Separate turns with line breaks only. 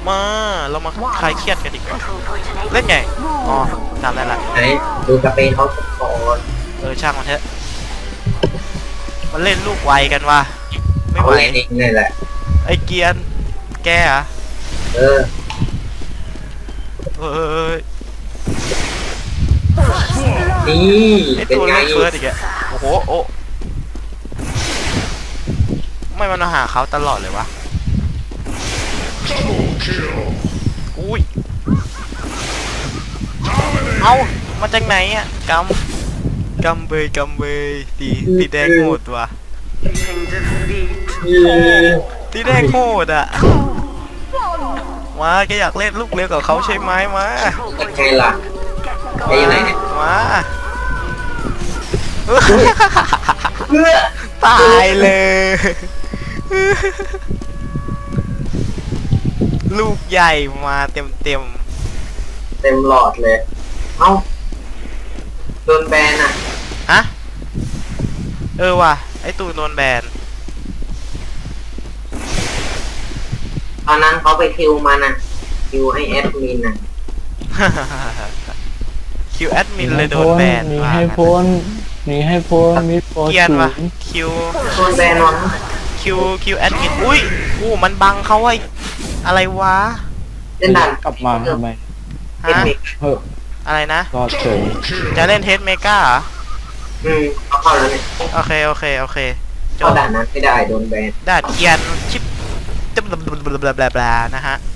มาเรามาคลายเครียดกันดีกว่าเล่นไงอ๋อจำได้ละ
ไหนดูสเปนเขาก่อน
ช่างมันเถอะมันเล่นลูกไวกันวะไม่
เขา
ไหว
เล่นเองนี่แหละ
ไอ้เกียนแกอะ
เออ
เอ้ย
นี่
ไอ้
เป็น
ตัว
ไง
เล่นเฟิร์สอีกอะโอ้โหโอ้ไม่มันมาหาเขาตลอดเลยวะอุ้ยเอามาจากไหนอะกำเบยตีแดงโหดว่ะตีแดงโหดอะมาแกอยากเล่นลูกเลี้ยวกับเขาใช่ไหมมา
เป็นไงล่ะไอ้ยังไงเนี่ย
มาตายเลย ลูกใหญ่มาเต็ม
เต็มหลอดเลย เอ้าโดนแบนอ่ะ
ฮะว่ะไอตูนโดนแบน
ตอนนั้นเขาไปคิวมันอ่ะคิวให้แอดมินอ่ะ
คิวแอดมินเลยโดนแบน
หนีให้พ้นหนีให้พ้นมิดโปร
เกียน
ศู
วะ
นย์
คิว
โดนแบนวะ
คิวแอดมินอุ้ยมันบังเขาไว้อะไรวะ
เล่นดัน
กลับมาทำไม
เทค
ฮะ
นิค
เฮ้ย
อะไรนะ
รอดเฉย
จะเล่นเทสเมกาเหรอ
เขาเข้าแล้วเนี่ย
โอเคจ
เข้า
บ
ด่านนั้นไม่ได้โดนแบน
ดาดเกียนชิปจะบลานะฮะ